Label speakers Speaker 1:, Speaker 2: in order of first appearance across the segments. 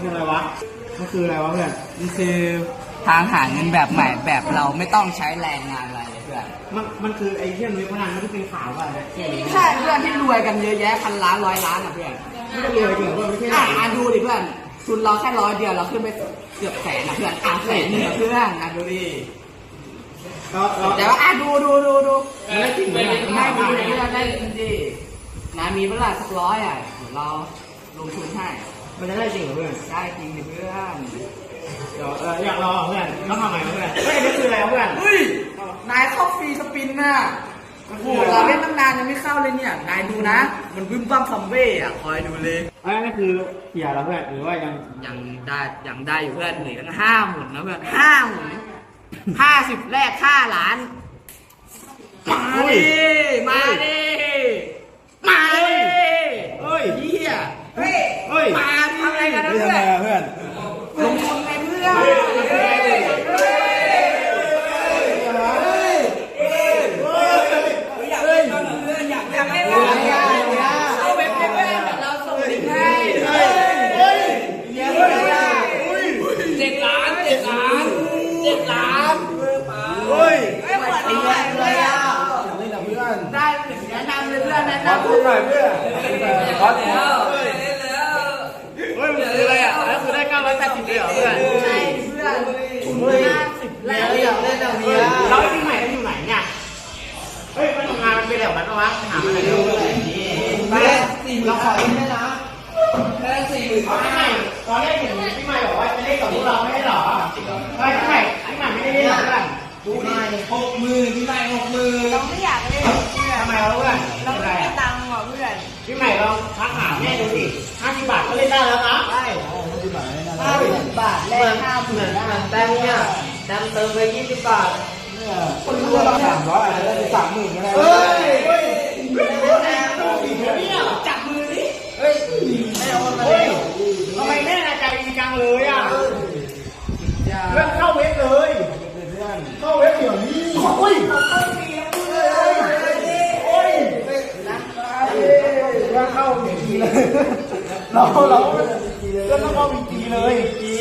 Speaker 1: คืออะไรวะมันคืออะไรวะเพื่อน
Speaker 2: มันคือทางหาเงินแบบใหม่แบบเราไม่ต้องใช้แรงงานอะไรเลยเพื่อน
Speaker 1: มันคือไอ้เรื่องเว็บพนันที่เป็นข่าวป่ะ
Speaker 2: ใช่เพื่อนที่รวยกันเยอะแยะพันล้านร้อยล้านอ่ะเพื่อน
Speaker 1: ไม่ได้รวยจริงเพื่อนไม่ใช่
Speaker 2: ดูดิเพื่อนทุนเราแค่100 เดียวเราขึ้นไปเกือบแสนนะเพื่อนแสนนึงเพื่อนดูดิแต่ว่าดู
Speaker 1: ไม่ได้จริงเลย
Speaker 2: ได้ดีเพื่อนได้จริงดินะมีเวลาสัก100อ่ะเราลงทุนให้
Speaker 1: มันจะได้จริงเหรอเพื่อน
Speaker 2: ได้จริงดิเพื่อน
Speaker 1: เดี๋ยวอยากรอเพื่อนต้องทำไงเพื่อนเฮ้ยนี่คืออะไรเพื่อน
Speaker 2: นายเข้าฟรีสปินน่ะโอ้โหเราเล่นตั้งนานยังไม่เข้าเลยเนี่ยนายดูนะมันบึ้มบั้มซัมเบ้อะคอยดูเลย
Speaker 1: นี่คือเกี่ยแล้วเพื่อนหรือว่า
Speaker 2: ยังได้อยู่เพื่อนเหลือตั้ง5 หมุนนะเพื่อน5 หมุน50แรก5 ล้านมาดิ
Speaker 1: เฮ้ย
Speaker 2: เฮียมาทำอะไรกันนะ
Speaker 1: เพื่อน
Speaker 2: ลงทุนในเพื่อนอยากให้เราเอาเว็บเพื่อนเราส่งลิงก์ให้7 ล้าน
Speaker 1: เฮ้ย
Speaker 2: ไม่เหมือนที่ไหนเลยอ่ะได้แนะนำเลยเพื่อนแนะนำ
Speaker 1: หน่อยเพื่อน
Speaker 2: ขอแล้ว
Speaker 1: เฮ้ยมันคืออะไรอ่ะแล้วคือได้980เลยเหรอเพื่อน
Speaker 2: ใช่เพื่อน50แล้วอยากเล่นแบบนี้
Speaker 1: เราที่ไหนอยู่ไหนเนี่ยเฮ้ยมันทำงานมันเป็นแบบนั้นปะวะหาอะไรดู
Speaker 2: เราขอเล่นได้นะ
Speaker 1: แค่40,000ตอนแรกเห็นพี่ใหม่บอกว่าจะเล่นกับพวกเราไม่ได้หรอเฮ้ยพี่ใหม่ไม่ได้เล่นหรอเพื่อน
Speaker 2: ดูดิ60,000พี่ใหม่60,000
Speaker 3: เราไม่อยากเล่น
Speaker 1: ทำไมเราเพื่อน
Speaker 3: เราไม่ได้ตังค์ว่ะเพื่อน
Speaker 1: พี่ใหม่ลองทักหาแม่ดูสิ50 บาทก็เล่นได้แล้วนะ
Speaker 2: ใช่50 บาทแลก50,000แต้มเนี่ยแต้มเติมไป20 บาท
Speaker 1: คนรู้เรา300อาจจะได้30,000ก็ได้
Speaker 2: จับมือดิ
Speaker 1: เฮ้ยแม่เอามาเลยทำไมแม่ใจดีจังเลยอ่ะเรื่องเข้าเว็บเลยเข้าเว็บเดี๋ยวนี้โอ้ยเรื่องเข้าวีจีเลยเราเรื่องต้องเข้าวีจีเลย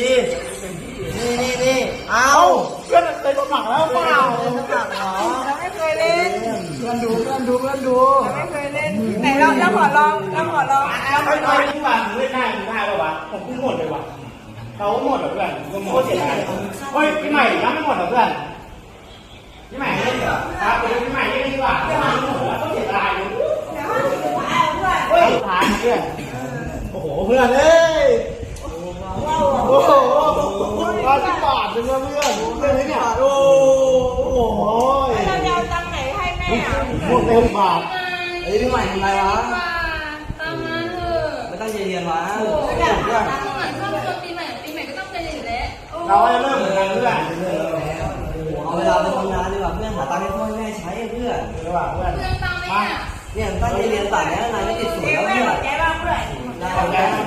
Speaker 2: นี่เอา
Speaker 1: เพื่อนเคยสมัครแล้วเปล่า
Speaker 3: เราไม่เคยเล่น
Speaker 1: เพื่อนดู
Speaker 3: เราไม่เคยเล่นไหนเราขอลอง
Speaker 1: ไม่ที่บ้านเล่นได้ป่ะวะผมเพิ่งหมดเลยว่ะเขาหมดเหรอเพื่อนโคตรเสียดายเฮ้ยพี่ใหม่ยังไม่หมดเหรอเพื่อนพี่ใหม่เล่นเหรอครับพี่ใหม่เล่นดีกว่าพี่ใหม่หมดแล้วก็เสียดายเลยเฮ้ยสุดท้ายเพื่อนโอ้โหเพื่อนเอ้ยโอ้โห10 บาทเลยเพื่อนเนี่ยโอ้โห
Speaker 3: เราจะเอาตังค์ไหนให้แม่
Speaker 1: หมดเลย10 บาท
Speaker 2: ไอ้พี่ใหม่ทำไรวะ
Speaker 3: ตังค์มาเถอะ
Speaker 2: ไม่ต้องเรียนวะ
Speaker 3: อยากตังค์เหมือนช่วงปีใหม่ก็ต้องเป็นอย่างนี้
Speaker 1: เราจะเริ่มเหมือนกันเพื่อน
Speaker 2: เอาเวลาไปทำงานดีกว่าเพื่อนหาตังค์ให้พ่อแม่ใช้เพื่อน
Speaker 3: เพื่อนตังค์ไหม
Speaker 2: เนี่ยตั้งใจเรียนต่างแล้วนายไม่ติดสวยแล้วเพื่อน
Speaker 3: แกบ้างเพื่อน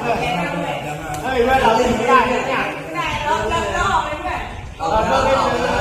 Speaker 1: เฮ้ยเพื่อนเราเล่นไม่ได้เนี่ย
Speaker 3: เราออกไปเพื่อน
Speaker 1: เราเลิกเล่นเลย